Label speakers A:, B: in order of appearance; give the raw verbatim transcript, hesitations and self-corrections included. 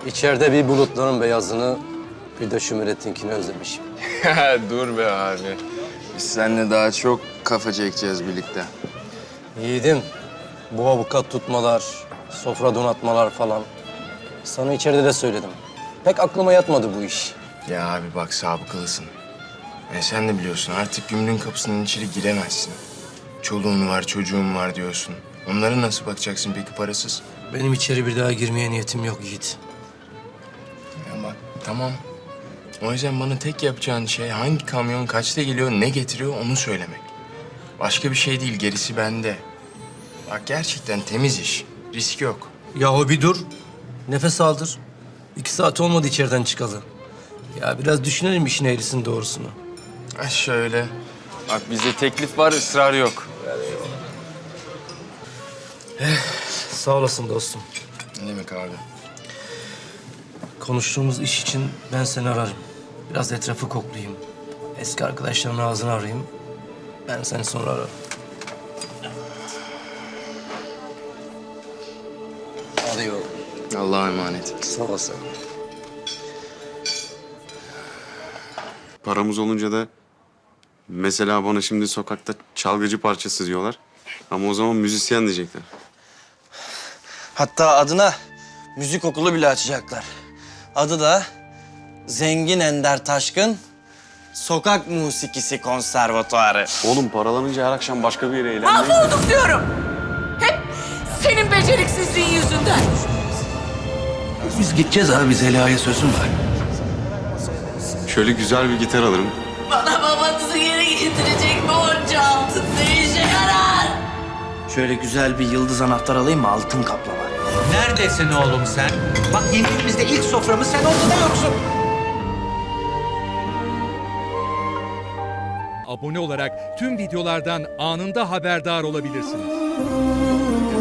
A: İçeride bir bulutların beyazını, bir de Şümret'inkini özlemişim.
B: Dur be abi. Biz seninle daha çok kafa çekeceğiz birlikte.
A: Yiğidim, bu avukat tutmalar, sofra donatmalar falan. Sana içeride de söyledim. Pek aklıma yatmadı bu iş.
B: Ya abi bak sabıkalısın. E sen de biliyorsun artık gümrüğün kapısının içeri giremezsin. Çoluğun var, çocuğun var diyorsun. Onlara nasıl bakacaksın peki parasız?
A: Benim içeri bir daha girmeye niyetim yok Yiğit.
B: Ya bak tamam. O yüzden bana tek yapacağın şey hangi kamyon kaçta geliyor, ne getiriyor onu söylemek. Başka bir şey değil, gerisi bende. Bak gerçekten temiz iş. Risk yok.
A: Yahu bir dur. Nefes aldır. İki saat olmadı içeriden çıkalı. Ya biraz düşünelim işin eğrisini doğrusunu.
B: Ha şöyle. Bak bizde teklif var, ısrar yok.
A: Sağ olasın dostum.
B: Ne demek abi?
A: Konuştuğumuz iş için ben seni ararım. Biraz etrafı koklayayım. Eski arkadaşların ağzını arayayım. Ben seni sonra ararım. Hadi yol.
B: Allah'a emanet.
A: Sağ olasın.
C: Paramız olunca da mesela bana şimdi sokakta çalgıcı parçası diyorlar. Ama o zaman müzisyen diyecekler.
D: Hatta adına müzik okulu bile açacaklar. Adı da Zengin Ender Taşkın Sokak Musikisi Konservatuarı.
C: Oğlum paralanınca her akşam başka bir yere eğlenmeyi...
E: Mahvolduk diyorum. Hep senin beceriksizliğin yüzünden.
A: Biz gideceğiz abi. Biz Zeliha'ya sözüm var.
C: Şöyle güzel bir gitar alırım.
E: Bana babanızı geri getirecek borcu altın ne işe yarar?
D: Şöyle güzel bir yıldız anahtar alayım mı? Altın kaplama.
F: Neredesin oğlum sen? Bak yediğimizde ilk soframız sen ortada yoksun.
G: Abone olarak tüm videolardan anında haberdar olabilirsiniz.